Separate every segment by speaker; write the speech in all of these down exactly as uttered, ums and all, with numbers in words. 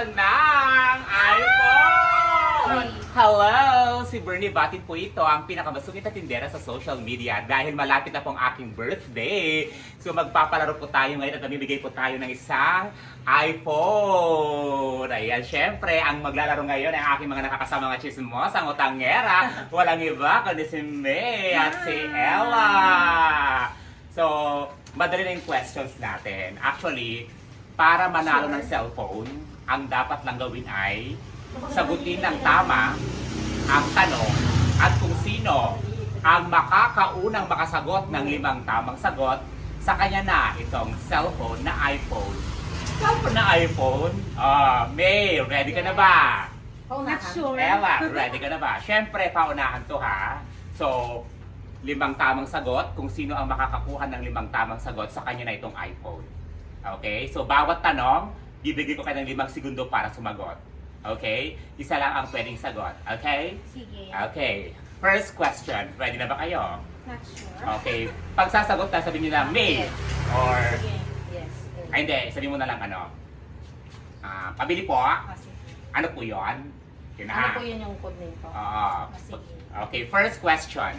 Speaker 1: ng iPhone! Hello! Si Bernie Batid po ito, ang pinakamasungit na tindera sa social media dahil malapit na po ang aking birthday. So magpapalaro po tayo ngayon at namimigay po tayo ng isang iPhone. Ayan, syempre, ang maglalaro ngayon ay ang aking mga nakakasama mga chismos, ang utangera. Walang iba kundi si May at si Ella. So, madali na yung questions natin. Actually, para manalo ng cellphone, ang dapat lang gawin ay sagutin ng tama ang tanong at kung sino ang makakaunang makasagot ng limang tamang sagot, sa kanya na itong cellphone na iPhone. Cellphone na iPhone? Ah, May, ready ka na ba?
Speaker 2: Not sure.
Speaker 1: Ella, ready ka na ba? Siyempre, paunahan to ha. So, limang tamang sagot, kung sino ang makakakuha ng limang tamang sagot, sa kanya na itong iPhone. Okay? So, bawat tanong, bibigyan ko kayo ng limang segundo para sumagot. Okay? Isa lang ang pwedeng sagot. Okay?
Speaker 2: Sige.
Speaker 1: Okay. First question. Ready na ba kayo?
Speaker 2: Not sure.
Speaker 1: Okay. Pag sasagot na, sabihin nyo na May. Or,
Speaker 2: Sige. Yes.
Speaker 1: ay hindi, sabihin mo na lang ano. Ah, pabili po.
Speaker 2: Ah, sige.
Speaker 1: Ano po yun? Yun na.
Speaker 2: Ano po yun yung code name ko?
Speaker 1: Oo.
Speaker 2: Ah, sige.
Speaker 1: Okay, first question.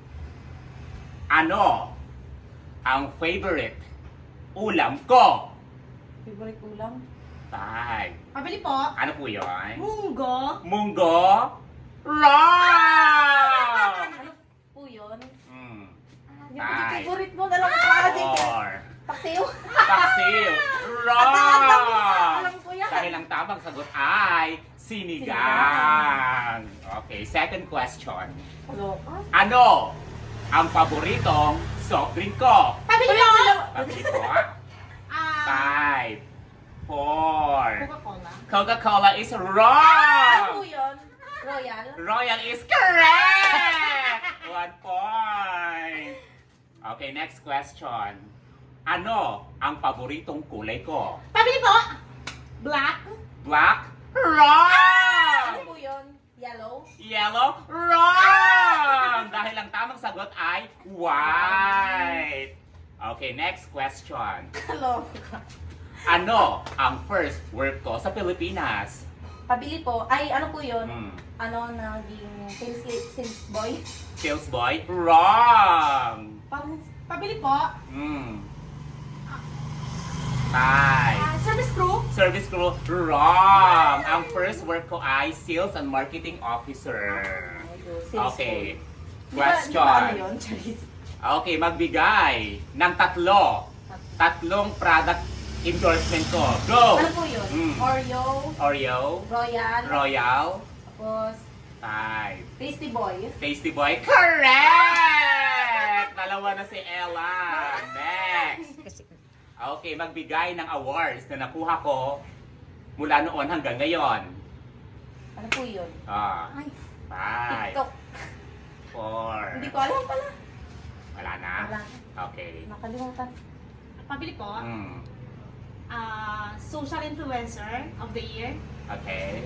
Speaker 1: Ano ang favorite ulam ko?
Speaker 2: Favorite ulam?
Speaker 1: Five.
Speaker 2: Pabili po.
Speaker 1: Ano po yun?
Speaker 2: Munggo.
Speaker 1: Munggo? Wrong!
Speaker 2: Ano po yun?
Speaker 1: Mm.
Speaker 2: Hindi ko yung
Speaker 1: Five.
Speaker 2: favorite mo. Alam ko pa din.
Speaker 1: Four.
Speaker 2: Paksiw.
Speaker 1: Paksiw.
Speaker 2: Alam
Speaker 1: Wrong!
Speaker 2: ko, alam ko yan.
Speaker 1: Dahil ang tamang sagot ay sinigang. Okay, second question.
Speaker 2: Kaloka.
Speaker 1: Ano ang paboritong soft drink ko?
Speaker 2: Pabili po.
Speaker 1: Pabili ko.
Speaker 2: Ah,
Speaker 1: Five. Four.
Speaker 2: Coca-Cola.
Speaker 1: Coca-Cola is
Speaker 2: Ano po
Speaker 1: wrong!
Speaker 2: yun? Royal.
Speaker 1: Royal is correct! One point. Okay, next question. Ano ang paboritong kulay ko?
Speaker 2: Pabili po. Black.
Speaker 1: Black?
Speaker 2: Ano
Speaker 1: Wrong!
Speaker 2: po yun? Yellow.
Speaker 1: Yellow? Wrong! Dahil ang tamang sagot ay white. Okay, next question.
Speaker 2: Kaloka.
Speaker 1: Ano ang first work ko sa Pilipinas?
Speaker 2: Pabili po. Ay, ano po yun?
Speaker 1: Hmm.
Speaker 2: Ano, naging sales, sales boy?
Speaker 1: Sales boy? Wrong!
Speaker 2: Pang, pabili po.
Speaker 1: Hmm. Five.
Speaker 2: Ah, service crew.
Speaker 1: Service crew? Wrong! Ang first work ko ay sales and marketing officer.
Speaker 2: Sales
Speaker 1: Okay.
Speaker 2: boy. Di ba- di ba ano
Speaker 1: Question.
Speaker 2: yun, Charis?
Speaker 1: Okay, magbigay ng tatlo. Tatlong product endorsement ko. Go!
Speaker 2: Ano po yun?
Speaker 1: Mm.
Speaker 2: Oreo,
Speaker 1: Oreo,
Speaker 2: Royal,
Speaker 1: Royal,
Speaker 2: tapos
Speaker 1: five.
Speaker 2: Tasty Boy.
Speaker 1: Tasty Boy, correct! Dalawa na si Ella. Next. Okay, magbigay ng awards na nakuha ko mula noon hanggang ngayon.
Speaker 2: Ano po yun?
Speaker 1: Ah,
Speaker 2: Ay,
Speaker 1: five,
Speaker 2: TikTok.
Speaker 1: four.
Speaker 2: Hindi ko alam pala.
Speaker 1: Wala na?
Speaker 2: Wala.
Speaker 1: Okay.
Speaker 2: Nakalimutan.
Speaker 3: Pabili po,
Speaker 1: Hmm.
Speaker 3: ah, social influencer of the year.
Speaker 1: Okay.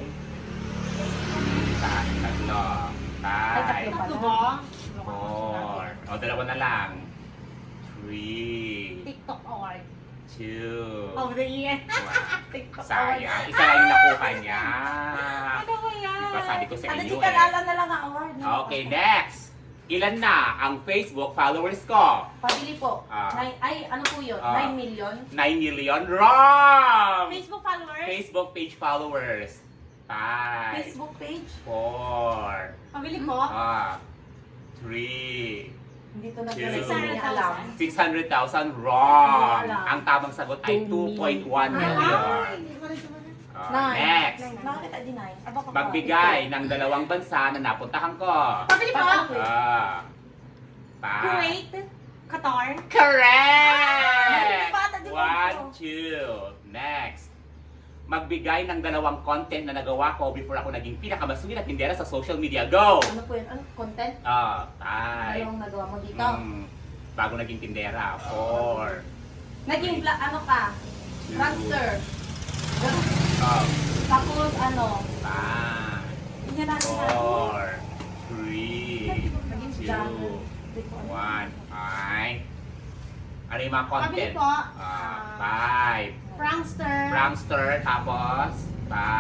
Speaker 1: Ta- Tatlo.
Speaker 2: Ay,
Speaker 1: Five.
Speaker 2: tatlo.
Speaker 3: Tatlo po,
Speaker 1: Four. O, dalawa na lang. Three.
Speaker 3: TikTok award
Speaker 1: Two.
Speaker 3: of the year.
Speaker 1: One.
Speaker 3: TikTok
Speaker 1: Sayang. Isa lang yung nakuha niya.
Speaker 3: Ano ba yan?
Speaker 1: Diba sabi ko sa
Speaker 2: Ano,
Speaker 1: inyo
Speaker 2: di ka
Speaker 1: eh.
Speaker 2: na lang ang award. no?
Speaker 1: Okay, next. Ilan na ang Facebook followers ko?
Speaker 2: Pabili po.
Speaker 1: Ah.
Speaker 2: Nine, ay, ano po yun?
Speaker 1: Ah.
Speaker 2: nine million.
Speaker 1: nine million? Wrong!
Speaker 3: Facebook followers.
Speaker 1: Facebook page followers. Five.
Speaker 2: Facebook page.
Speaker 1: Four.
Speaker 3: Pabili po,
Speaker 1: Ah. Three.
Speaker 2: Hindi to na
Speaker 1: Two.
Speaker 2: hindi niya alam.
Speaker 1: six hundred thousand? Wrong!
Speaker 2: Hindi alam.
Speaker 1: Ang tamang sagot ay two point one million.
Speaker 3: Ay, hindi ko rin tumanan.
Speaker 1: Ah,
Speaker 2: Nine.
Speaker 1: next.
Speaker 2: Nakakita din ay. Aba ko.
Speaker 1: Magbigay ng dalawang bansa na napuntahan ko.
Speaker 3: Pabili po,
Speaker 1: Ah. Pa.
Speaker 3: Kuwait, Qatar.
Speaker 1: Correct!
Speaker 2: Bata din
Speaker 1: One,
Speaker 2: ako.
Speaker 1: two. Next. Magbigay ng dalawang content na nagawa ko before ako naging pinakamasungit at tindera sa social media. Go!
Speaker 2: Ano po yun? Ano? Content?
Speaker 1: Ah, five.
Speaker 2: Anong nagawa mo dito?
Speaker 1: Mm, bago naging tindera. Four.
Speaker 2: Naging vlog, ano ka?
Speaker 1: Two.
Speaker 2: Prankster.
Speaker 1: Oh,
Speaker 2: Tapos ano?
Speaker 1: five.
Speaker 2: Hindi na natin
Speaker 1: Four. Three.
Speaker 2: Naging
Speaker 1: Two.
Speaker 2: vlogger. Hindi ko alam.
Speaker 1: One. Five. Ano yung mga
Speaker 3: Pabili
Speaker 1: content?
Speaker 3: po,
Speaker 1: Ah,
Speaker 3: ah,
Speaker 1: five.
Speaker 3: Prankster.
Speaker 1: Prankster, tapos, five.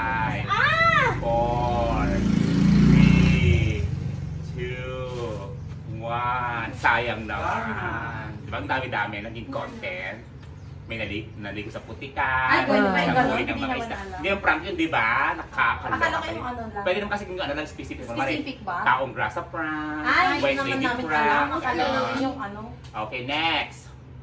Speaker 1: Sayang naman. Di ba ang dami-dami naging content? May naligo, naligo sa putikan.
Speaker 2: Ay, pwede ba yung
Speaker 1: Nabuhay
Speaker 2: gano'n?
Speaker 1: ng
Speaker 2: Hindi
Speaker 1: mga
Speaker 2: naman
Speaker 1: isda.
Speaker 2: alam.
Speaker 1: Hindi yung prank yun, di ba? Nakakaloka.
Speaker 2: Akala ko
Speaker 1: kayo.
Speaker 2: yung ano lang.
Speaker 1: Pwede naman kasi kung ano lang specific. Kunwari,
Speaker 2: Specific ba?
Speaker 1: Taong grasa prank.
Speaker 2: Ay,
Speaker 1: white
Speaker 2: hindi naman
Speaker 1: lady
Speaker 2: namin
Speaker 1: prank.
Speaker 2: alam. Akala
Speaker 1: ganon.
Speaker 2: namin yung ano.
Speaker 1: Okay, next.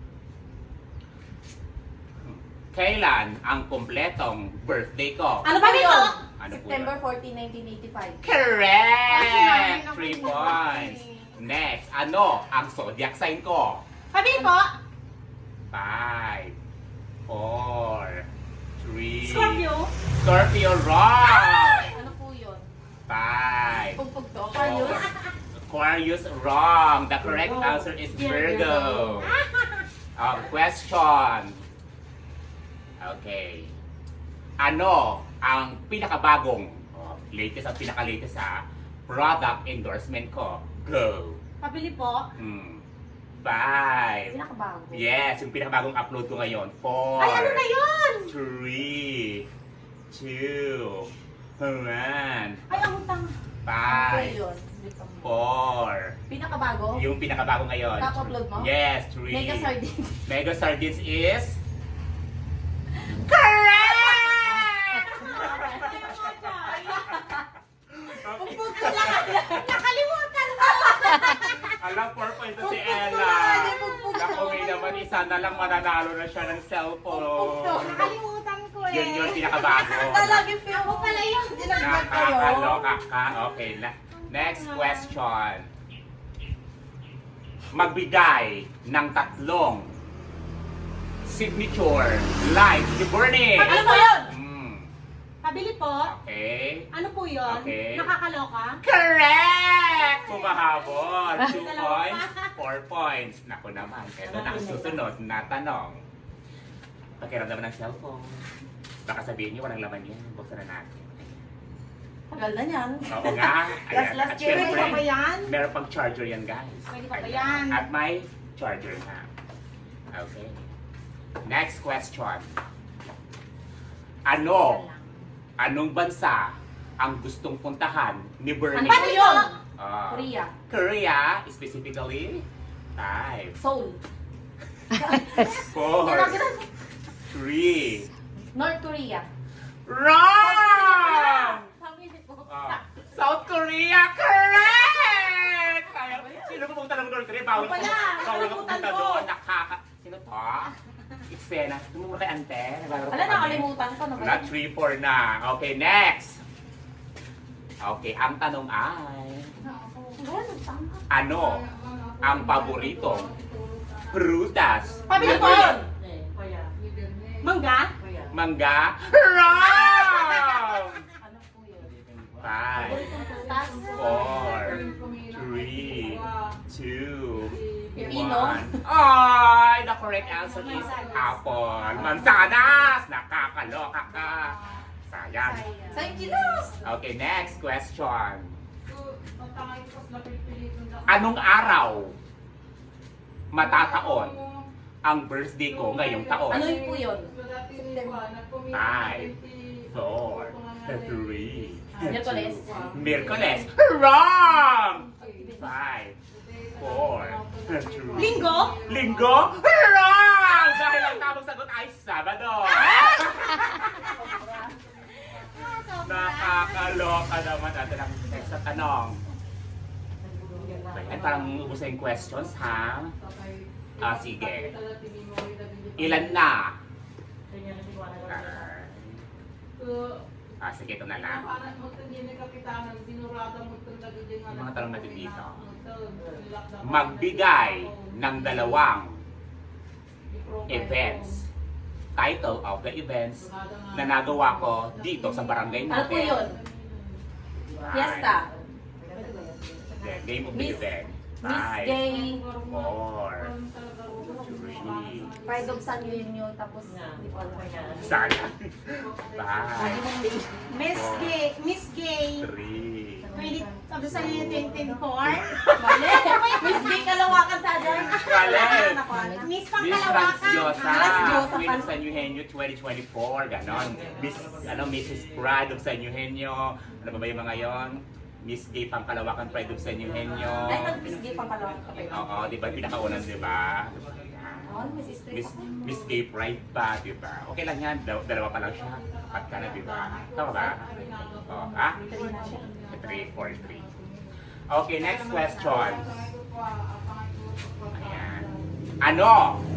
Speaker 1: Kailan ang kumpletong birthday ko?
Speaker 2: Ano ba
Speaker 3: Ano
Speaker 2: yun?
Speaker 1: Ano po
Speaker 2: September
Speaker 1: yun?
Speaker 2: fourteenth, nineteen eighty-five.
Speaker 1: Correct! Three points. Next, ano ang zodiac sign ko?
Speaker 3: Pabili po.
Speaker 1: Five, four, three.
Speaker 3: Scorpio.
Speaker 1: Scorpio, wrong!
Speaker 2: Ano po yun?
Speaker 1: Five,
Speaker 2: Pugpug to.
Speaker 1: four.
Speaker 2: Aquarius?
Speaker 1: Aquarius, wrong. The correct answer is Virgo. Oh, question. Okay. Ano ang pinakabagong, oh, latest at pinaka-latest sa product endorsement ko? Go.
Speaker 3: Pabili po.
Speaker 1: Hmm. Five.
Speaker 2: Pinakabago.
Speaker 1: Yes, yung pinakabagong upload ko ngayon. Four.
Speaker 3: Ay, ano na yun?
Speaker 1: Three. Two. One.
Speaker 3: Ay, ang utang.
Speaker 2: Ano po
Speaker 1: Five.
Speaker 2: yun? Hindi pa mo.
Speaker 1: Four.
Speaker 2: Pinakabago?
Speaker 1: Yung pinakabago ngayon.
Speaker 2: Kaka-upload mo?
Speaker 1: Yes, three.
Speaker 2: Mega sardines.
Speaker 1: Mega Sardines is... Correct!
Speaker 2: Pugpug to lang.
Speaker 3: Nakalimutan ko.
Speaker 1: Alam, four points na si
Speaker 2: Pugpug to
Speaker 1: Ella.
Speaker 2: lang. Hindi pugpug to.
Speaker 1: Naku, may naman isa na lang mananalo na siya ng
Speaker 2: Pugpug to.
Speaker 1: cellphone.
Speaker 3: Nakalimutan ko eh.
Speaker 1: Yun yung pinakabago.
Speaker 2: Talagi feel
Speaker 3: Ako pala yun.
Speaker 2: Dinagdag kayo.
Speaker 1: Nakakaloka ka. Okay, na. Next question. Magbigay ng tatlong signature live ni Bernie.
Speaker 2: Ano po yun?
Speaker 1: Mm,
Speaker 3: Pabili po.
Speaker 1: okay.
Speaker 3: Ano po yun?
Speaker 1: Okay.
Speaker 3: Nakakaloka?
Speaker 1: Correct! Pumahabol. Two
Speaker 3: Dalawa
Speaker 1: points,
Speaker 3: pa.
Speaker 1: four points. Naku naman, ito na ang susunod na tanong. Pakiramdaman ng cellphone. Baka sabihin niyo, walang laman yan. Buksan na natin.
Speaker 2: Tagal na yan.
Speaker 1: Oo nga. Ayan.
Speaker 2: Last- last
Speaker 1: At
Speaker 2: year,
Speaker 3: Pwede
Speaker 1: syempre,
Speaker 3: pa ba yan?
Speaker 1: meron pang charger yan, guys.
Speaker 3: Pwede pa ba yan?
Speaker 1: At may charger na. Okay. Next question. Ano? Anong bansa ang gustong puntahan ni Bernie?
Speaker 2: Ano po yun?
Speaker 1: Ah,
Speaker 2: Korea.
Speaker 1: Korea, specifically. Five,
Speaker 2: Seoul.
Speaker 1: four,
Speaker 2: Ginagawa.
Speaker 1: three.
Speaker 2: North Korea.
Speaker 1: Wrong!
Speaker 2: Sabi niyo po.
Speaker 1: Ah, South Korea, correct! Kaya, sino pupunta ng North Korea? Bawal
Speaker 2: Ako pala,
Speaker 1: bawal ka
Speaker 2: nakalimutan
Speaker 1: pupunta
Speaker 2: ko.
Speaker 1: doon. Nakaka... Sino to? Eksena. Tumuro kay Ante. Naglalaro
Speaker 2: Ala,
Speaker 1: kami.
Speaker 2: nakalimutan ko na ba
Speaker 1: Na
Speaker 2: yun?
Speaker 1: three four na. Okay, next. Okay, ang tanong ay,
Speaker 2: Ano, tama.
Speaker 1: ano ang paboritong prutas?
Speaker 2: Pabili
Speaker 1: ni
Speaker 2: po
Speaker 1: Bernie?
Speaker 2: yun!
Speaker 3: Mangga?
Speaker 1: Mangga? Wrong!
Speaker 2: Ano po yun?
Speaker 1: Five,
Speaker 2: Prutas?
Speaker 1: four, three, two,
Speaker 2: Pipino?
Speaker 1: one. Ay, the correct answer is apple. Mansanas! Nakakaloka ka. Sayang.
Speaker 2: Sayang kilos!
Speaker 1: Okay, next question. Anong araw matataon ang birthday ko ngayong taon?
Speaker 2: Ano yun po yun?
Speaker 1: Five, four, three,
Speaker 2: Miyerkules.
Speaker 1: Miyerkules. Wrong! Five, four, three.
Speaker 3: Linggo?
Speaker 1: Linggo? Wrong! Dahil ang tamang sagot ay Sabado. Nakakaloka naman natin ang next na tanong. Ayan, parang ubos na yung questions, ha? Ah, sige. Ilan na? Ah, ah, sige, ito na lang. Yung mga tanong natin dito. Magbigay ng dalawang events. Title of the events na nagawa ko dito sa barangay
Speaker 2: Ano po
Speaker 1: natin.
Speaker 2: yun? Fiesta.
Speaker 1: Then, name of the
Speaker 2: Miss-
Speaker 1: event.
Speaker 2: Miss
Speaker 1: Five,
Speaker 2: Gay.
Speaker 1: four, three,
Speaker 2: Pride of San Eugenio. Tapos, hindi ko alam.
Speaker 1: sana. Five,
Speaker 3: Miss Gay. Miss Gay.
Speaker 1: three,
Speaker 3: twenty, sabi sa inyo twenty twenty-four.
Speaker 2: Mali! Miss Gay Kalawakan sa dyan.
Speaker 1: Mali.
Speaker 3: Miss
Speaker 1: Miss
Speaker 3: Pangkalawakan.
Speaker 1: Franciosa,
Speaker 2: Franciosa
Speaker 1: Queen
Speaker 2: pa.
Speaker 1: of San Eugenio twenty twenty-four, ganon. Miss, ano, Missus Pride of San Eugenio, ano ba ba yung mga yon? Miss Gay Pangkalawakan Pride of San Eugenio.
Speaker 2: Ay, nag-Miss Gay pang kalawang ka pa.
Speaker 1: Oo, di ba? Pinakaunan, di ba?
Speaker 2: Oo, may sister
Speaker 1: Miss,
Speaker 2: ako.
Speaker 1: Miss Gay Pride pa, di ba? Okay lang yan, Dal- dalawa pa lang siya. Apat ka na, di ba? Tama ba? Oo, ha?
Speaker 2: Three na siya.
Speaker 1: three, four, three. Okay, next question. Ayan. Ano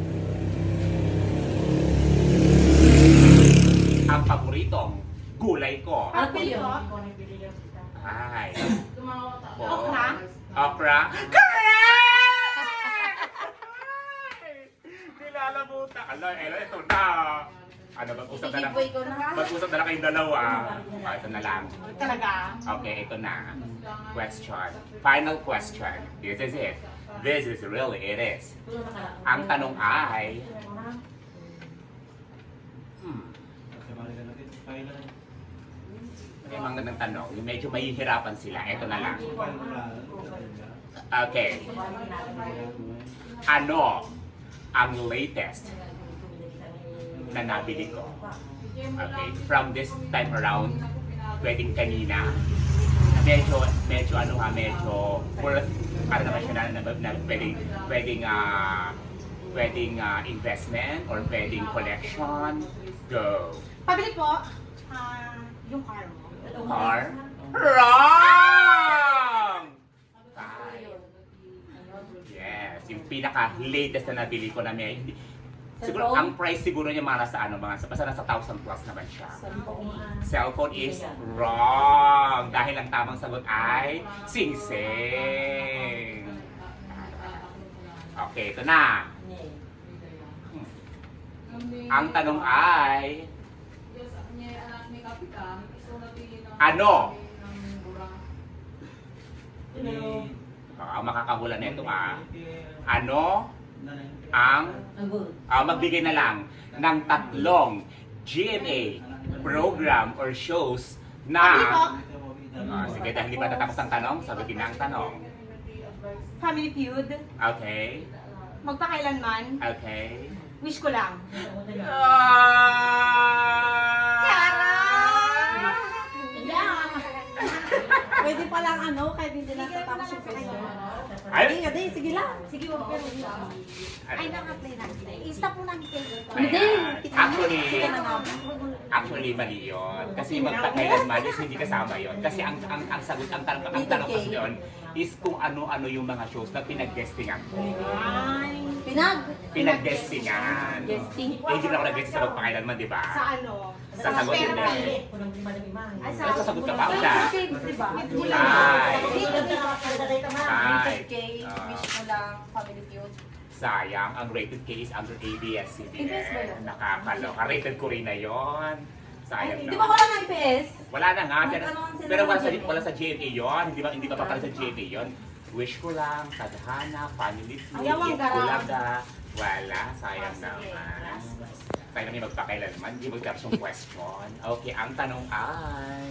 Speaker 1: ang paboritong gulay ko?
Speaker 2: Ano po yun?
Speaker 1: Ay.
Speaker 3: Okra?
Speaker 1: Okra? Correct! Nilalabutan. Ala, elo, ito na. Ano, mag-usap na
Speaker 2: Sige
Speaker 1: lang.
Speaker 2: po, ikaw na.
Speaker 1: Mag-usap na lang kayong dalawa. Ah, ito na lang.
Speaker 3: Talaga?
Speaker 1: Okay, ito na. Question. Final question. This is it. This is really it is. Ang tanong ay, hmm, may mga ng tanong, yung medyo mahihirapan sila. Ito na lang. Okay. Ano ang latest na nabili ko? Okay, from this time around, pwedeng kanina. Medyo, medyo ano ha, medyo worth, para naman siya na, na, na pwedeng, pwedeng, ah, pwedeng ah, investment or pwedeng collection. Go.
Speaker 3: Pabili po, ah, yung car mo.
Speaker 1: Car? Wrong! Five. Yes, yung pinaka-latest na nabili ko na may, hindi, siguro,
Speaker 2: Cellphone?
Speaker 1: ang price siguro niya mga nasa ano, mga, basta nasa thousand plus naman siya. Cellphone is wrong. Dahil ang tamang sagot ay sing-sing. Okay, ito na. Hmm. Ang tanong ay, ano? Oh, ang makakahula nito ah. Ano ang ah, magbigay na lang ng tatlong G M A program or shows
Speaker 3: Pabili po,
Speaker 1: na Ah, sige, dahil hindi pa natapos ang tanong, sagutin na ang tanong.
Speaker 3: Family Feud,
Speaker 1: Okay?
Speaker 3: magpakailanman,
Speaker 1: Okay?
Speaker 3: wish ko lang.
Speaker 2: Yeah. Pwede pa lang ano, kahit hindi natatapos yung question.
Speaker 1: Ay!
Speaker 2: Sige, di, sige lang. Sige, wag pero
Speaker 3: Ay, nang-apply na. I-stop mo namin kayo.
Speaker 1: Ayan. Actually,
Speaker 2: Sige na nga.
Speaker 1: actually mali yun. Kasi magpakailanman is hindi kasama yun. Kasi ang ang, ang sagot, ang tanong, ang tanong kasi doon is kung ano-ano yung mga shows na pinag-guestingan ko.
Speaker 3: Ay,
Speaker 2: Pinag.
Speaker 1: Pinag-guestingan.
Speaker 2: Guesting.
Speaker 1: Eh, hindi na ako nag-guesting sa magpakailanman, di ba?
Speaker 3: sa ano?
Speaker 1: Sa sagot
Speaker 3: Pero
Speaker 1: yun
Speaker 3: pili.
Speaker 1: eh.
Speaker 3: Ay,
Speaker 1: Ay, sasagot ka pa? Wala.
Speaker 2: Diba?
Speaker 1: Ay. Ay.
Speaker 2: K, wish mo lang, family feud.
Speaker 1: Sayang, ang rated K is under A B S C B
Speaker 2: A B S ba
Speaker 1: N.
Speaker 2: yun?
Speaker 1: Nakakaloka. Rated ko rin na yun. Sayang
Speaker 2: Di ba
Speaker 1: na.
Speaker 2: wala ng I P S?
Speaker 1: Wala na nga. Pero,
Speaker 2: Nag-ano sila
Speaker 1: pero wala
Speaker 2: ng
Speaker 1: sa,
Speaker 2: G M A.
Speaker 1: wala sa G M A yun. Hindi ba, hindi ba papala sa G M A yun? Wish ko lang, tadhana, family feud,
Speaker 3: Ayaw ang garang.
Speaker 1: bulaga. Wala, sayang naman. Tayo namin magpakailanman, hindi magtapos yung question. Okay, ang tanong ay...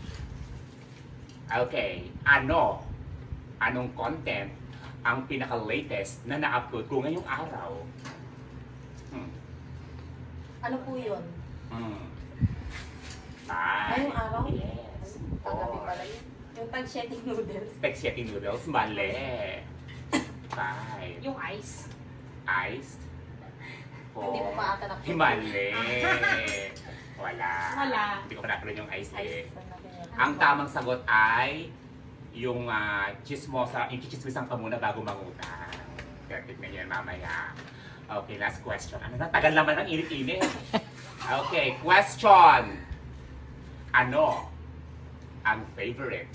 Speaker 1: Okay, ano? Anong content ang pinaka-latest na na-upload ko ngayong araw? Hmm.
Speaker 2: Ano po yun?
Speaker 1: Hmm. Five.
Speaker 2: Ngayong araw?
Speaker 1: Yes.
Speaker 2: Kagabi
Speaker 1: Four.
Speaker 2: pala yun. Yung tag-shedding noodles.
Speaker 1: Spaghetti noodles, mali. Five.
Speaker 3: Yung ice.
Speaker 1: Iced. Four.
Speaker 2: Hindi mo pa ata na-
Speaker 1: Mali. Wala.
Speaker 3: Wala.
Speaker 1: Hindi ko pa nakulit yung ice eh.
Speaker 2: Ice.
Speaker 1: Ang tamang sagot ay yung uh, chismosa, yung chichismisan ka muna bago mangutang. Kaya tignan nyo yan mamaya. Okay, last question. Ano na? Tagal naman ang init-init. Okay, question. Ano ang favorite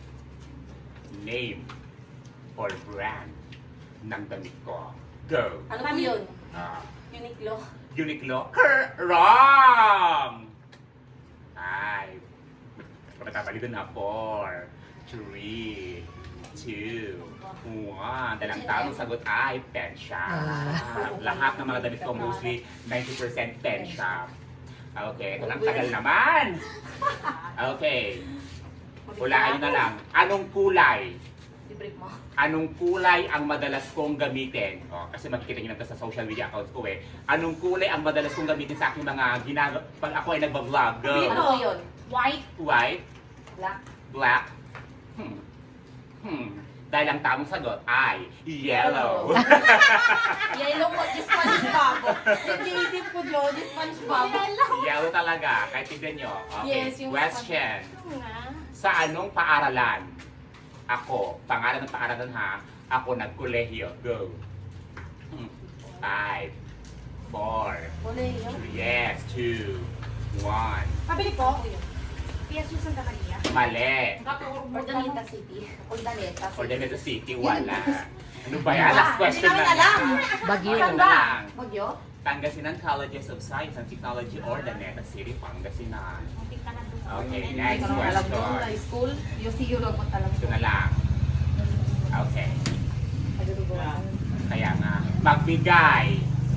Speaker 1: name or brand ng damit ko? Go!
Speaker 2: Ano po yun?
Speaker 1: Ah,
Speaker 2: Uniqlo.
Speaker 1: Uniqlo? Ker- Wrong! Ay, matabali doon na. Four, three, two, one. Dahil ang tamang sagot ay pen shop. Lahat ng mga damit ko mostly ninety percent pen shop. Okay, ito lang tagal naman. Okay, hulaan nyo na lang. Anong kulay?
Speaker 2: I-break mo.
Speaker 1: Anong kulay ang madalas kong gamitin? O, kasi makikita nyo na ito sa social media accounts ko eh. Anong kulay ang madalas kong gamitin sa aking mga ginagawa pag ako ay nagbablog?
Speaker 2: Ano
Speaker 1: Go!
Speaker 2: po yun?
Speaker 3: White.
Speaker 1: White,
Speaker 2: Black.
Speaker 1: black, Hmm. Hmm. Dahil ang tamang sagot ay yellow.
Speaker 2: Yellow po, di SpongeBob. Yung iniisip ko, Jo, di SpongeBob.
Speaker 1: Yellow talaga. Kahit tignan nyo. Okay.
Speaker 2: Yes, yung
Speaker 1: Question.
Speaker 3: Oo nga.
Speaker 1: Sa anong paaralan? Ako. Pangalan ng paaralan ha. Ako nagkolehiyo. Go. Hmm. Five. Four.
Speaker 2: Kolehiyo.
Speaker 1: Yes. Two. One.
Speaker 3: Pabili po. P S U Santa Maria.
Speaker 1: Mali.
Speaker 2: Ordoneta City. Ordoneta City.
Speaker 1: Ordinary City. Wala. Ano ba yan? Last question
Speaker 2: Hindi
Speaker 1: na.
Speaker 2: namin alam.
Speaker 4: Bagyo.
Speaker 1: Ito
Speaker 2: Saan
Speaker 1: na
Speaker 2: ba?
Speaker 1: lang.
Speaker 2: Bagyo?
Speaker 1: Pangasinan Colleges of Science and Technology, Ordoneta City, Pangasinan.
Speaker 3: Muntik ka na doon.
Speaker 1: Okay,
Speaker 2: Hindi
Speaker 1: next
Speaker 2: ko naman alam doon.
Speaker 1: question.
Speaker 2: High school. U C U lang po alam
Speaker 1: Ito
Speaker 2: ko.
Speaker 1: na lang. Okay.
Speaker 2: Pagduduguan.
Speaker 1: Kaya nga, magbigay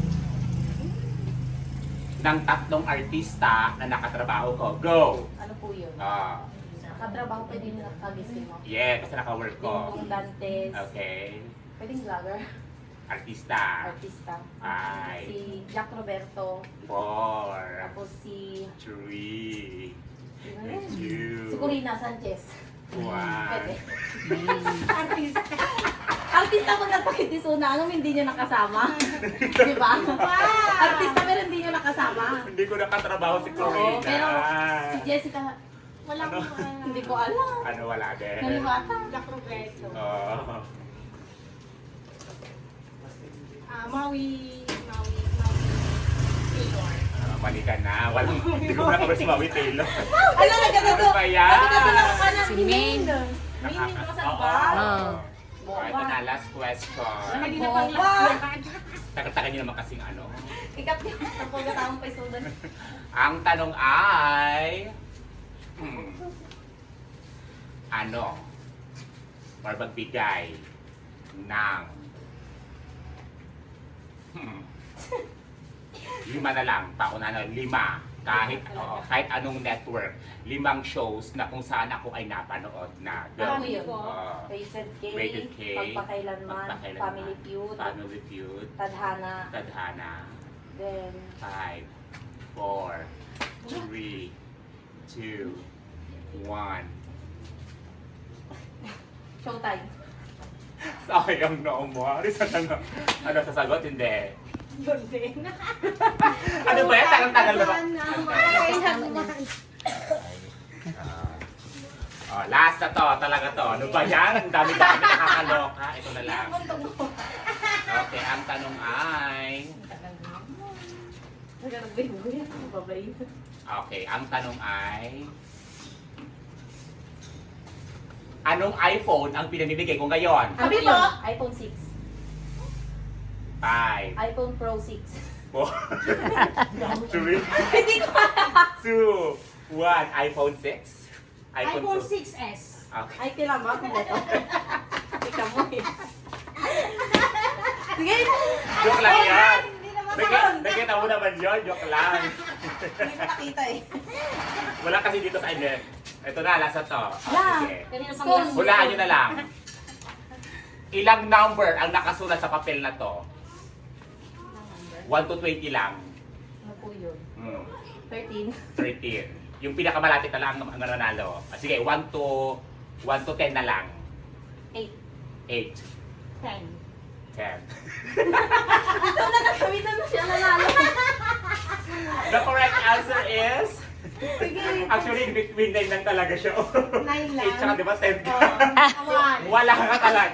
Speaker 1: ng tatlong artista na nakatrabaho ko. Go!
Speaker 2: Ano po yun?
Speaker 1: Ah,
Speaker 2: Katrabaho pwede nyo nakagising mo.
Speaker 1: yeah, kasi naka-work ko.
Speaker 2: Dingdong Dantes.
Speaker 1: Okay.
Speaker 2: Pwedeng vlogger.
Speaker 1: Artista.
Speaker 2: Artista.
Speaker 1: Five.
Speaker 2: Si Jack Roberto.
Speaker 1: Four.
Speaker 2: Tapos si...
Speaker 1: Three.
Speaker 2: Sino yun?
Speaker 1: Two.
Speaker 2: Si Corina Sanchez.
Speaker 1: One.
Speaker 2: Pwede.
Speaker 3: Artista.
Speaker 2: Artista kung nagpakitisuna, anong hindi nyo nakasama? Di ba? Artista pero hindi nyo nakasama.
Speaker 1: Hindi ko nakatrabaho si
Speaker 2: Oo,
Speaker 1: Corina.
Speaker 2: pero si Jessica,
Speaker 3: Wala
Speaker 1: Ano?
Speaker 3: ko uh,
Speaker 2: hindi ko alam.
Speaker 1: Ano, wala din.
Speaker 2: Naliwata.
Speaker 3: Jack Roberto.
Speaker 1: Oh.
Speaker 3: Ah, Maui, Maui, Maui Taylor.
Speaker 1: Ah, mali ka na. Walang, hindi ko nakabas si Maui Taylor.
Speaker 2: Ano na ganito?
Speaker 1: Ano ba yan?
Speaker 2: Nakatulong ka na.
Speaker 4: Si Maine.
Speaker 2: Minin ko sa
Speaker 1: Oo.
Speaker 2: ba?
Speaker 4: Oo.
Speaker 1: Oh, ito na, last question.
Speaker 3: Hindi na pang
Speaker 2: Boba.
Speaker 3: last na.
Speaker 1: Tagal-tagal niyo naman kasing ano.
Speaker 2: Ikat niya. Tapos taong pesudan.
Speaker 1: Ang tanong ay... Hmm, ano? Or magbigay ng... Hmm, lima na lang. Pauna na, lima. Kahit, oo, kahit anong network. Limang shows na kung saan ako ay napanood na.
Speaker 2: Ano yun?
Speaker 1: Oo.
Speaker 2: Rated K,
Speaker 1: Rated K,
Speaker 2: Pagpakailanman,
Speaker 1: Pagpakailanman,
Speaker 2: Family Feud,
Speaker 1: Family Feud,
Speaker 2: Tadhana,
Speaker 1: Tadhana,
Speaker 2: then
Speaker 1: five, four, three, two, one.
Speaker 2: Showtime.
Speaker 1: Sayang no mo. Ano sa ano, ano sasagot? Hindi.
Speaker 3: Yun din.
Speaker 1: Ano ba yan? Tagal-tagal na ba? Oh, last na to, talaga to. Ano ba yan? Ang dami-dami nakakaloka. Ito na lang. Okay, ang tanong ay...
Speaker 2: Nagkanagbay-buhay. Babay.
Speaker 1: Okay, ang tanong ay... Anong iPhone ang pinamimigay ko ngayon?
Speaker 2: Ano
Speaker 3: Sabi
Speaker 2: yun?
Speaker 3: mo?
Speaker 2: iPhone six.
Speaker 1: Five,
Speaker 2: iPhone Pro six.
Speaker 1: four, three,
Speaker 2: Hindi ko
Speaker 1: two, one. iPhone six?
Speaker 3: iPhone
Speaker 1: Pro-
Speaker 3: six S.
Speaker 1: Okay.
Speaker 2: Ay, kailan ba? Kung ito. Ikaw mo eh. Sige.
Speaker 1: Joke lang yan.
Speaker 3: Hindi naman
Speaker 1: Nakita nakita mo naman yun, joke lang.
Speaker 2: Hindi ko nakita eh.
Speaker 1: Wala kasi dito sa inyo. Ito na, last na to. Oh,
Speaker 2: Yeah.
Speaker 1: sige.
Speaker 3: Kanina sa
Speaker 2: School.
Speaker 1: Hulaan nyo na lang. Ilang number ang nakasulat sa papel na to? one to twenty lang.
Speaker 2: Ano po yun?
Speaker 1: Hmm.
Speaker 2: thirteen.
Speaker 1: thirteen. Yung pinakamalapit na lang ang ang nanalo. Ah, sige, one to one to ten na lang.
Speaker 2: eight.
Speaker 1: eight.
Speaker 3: ten.
Speaker 1: ten.
Speaker 2: Ito na nagkawitan na siya nanalo.
Speaker 1: The correct answer is...
Speaker 2: Sige.
Speaker 1: Actually, in between nine lang talaga siya.
Speaker 3: Nine lang.
Speaker 1: eight tsaka di ba ten ka?
Speaker 3: One.
Speaker 1: Wala ka talaga.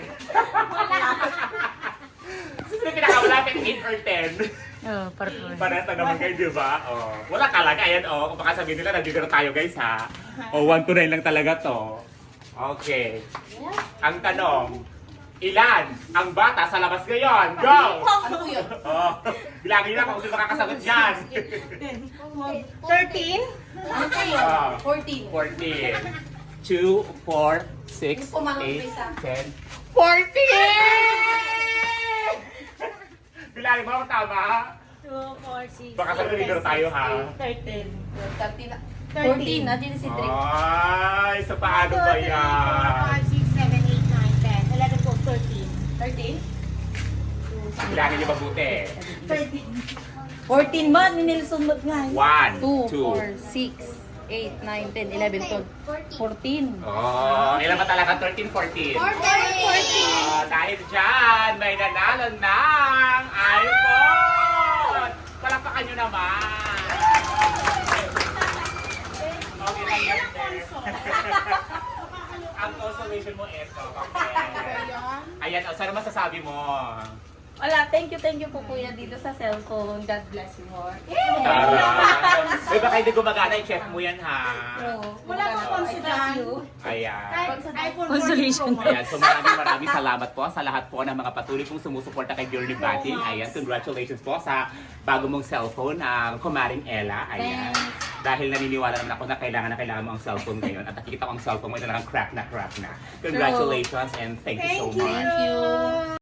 Speaker 1: Sino yung pinakamalapit, eight or ten?
Speaker 4: Oh, purple.
Speaker 1: Parata naman kayo, di ba? Oh. Wala talaga. Ayan, oh. Kung baka sabihin nila, nandito na tayo, guys, ha? O, one to nine lang talaga to. Okay. Ang tanong, ilan ang bata sa labas ngayon? Go!
Speaker 2: Ano po yun?
Speaker 1: Oh, bilangin nyo na kung sino makakasagot dyan.
Speaker 3: thirteen.
Speaker 2: Ano po yun?
Speaker 1: Ah.
Speaker 2: fourteen.
Speaker 1: fourteen. two, four, six,
Speaker 2: Yung pumanong
Speaker 1: eight,
Speaker 2: isa.
Speaker 1: ten, fourteen! Bilangin mo kung tama.
Speaker 3: two, four, six,
Speaker 1: Baka sabihin nyo tayo, ha?
Speaker 3: thirteen.
Speaker 2: thirteen. na- fourteen. Nandiyan si Drake.
Speaker 1: Ay, sa paano ba yan?
Speaker 3: five, six, seven, eight, nine, ten, eleven, twelve, thirteen.
Speaker 2: thirteen?
Speaker 1: Bilangin nyo mabuti.
Speaker 3: thirteen.
Speaker 2: fourteen ba? Ni Nelson Mag nga. eh.
Speaker 1: One,
Speaker 4: two,
Speaker 1: two,
Speaker 4: four, six,
Speaker 2: eight, nine, ten, eleven, twelve, fourteen.
Speaker 1: Oh, ilan ba talaga? thirteen, fourteen? Oh, dahil dyan, may nanalo ng iPhone! Palakpakan nyo naman! Okay lang yan, sir. Ang consolation mo ito. Okay. Ayan, oh, saan masasabi mo?
Speaker 2: Wala, thank you, thank you po kuya dito sa cellphone. God bless you more.
Speaker 1: Tara! Uy, baka hindi gumagana, i-check mo yan ha.
Speaker 3: Wala kang consider.
Speaker 1: Ayan.
Speaker 3: iPhone
Speaker 2: Consolation.
Speaker 3: fourteen Pro Max.
Speaker 1: Ayan, so maraming maraming salamat po sa lahat po ng mga patuloy pong sumusuporta kay Girlie Bating. Ayan, congratulations po sa bago mong cellphone, ang Kumaring Ella. Ayan. Dahil naniniwala naman ako na kailangan na kailangan mo ang cellphone ngayon at nakikita ko ang cellphone mo, ito lang crack na crack na. Congratulations and thank you so
Speaker 3: Thank you.
Speaker 1: much.
Speaker 2: Thank you.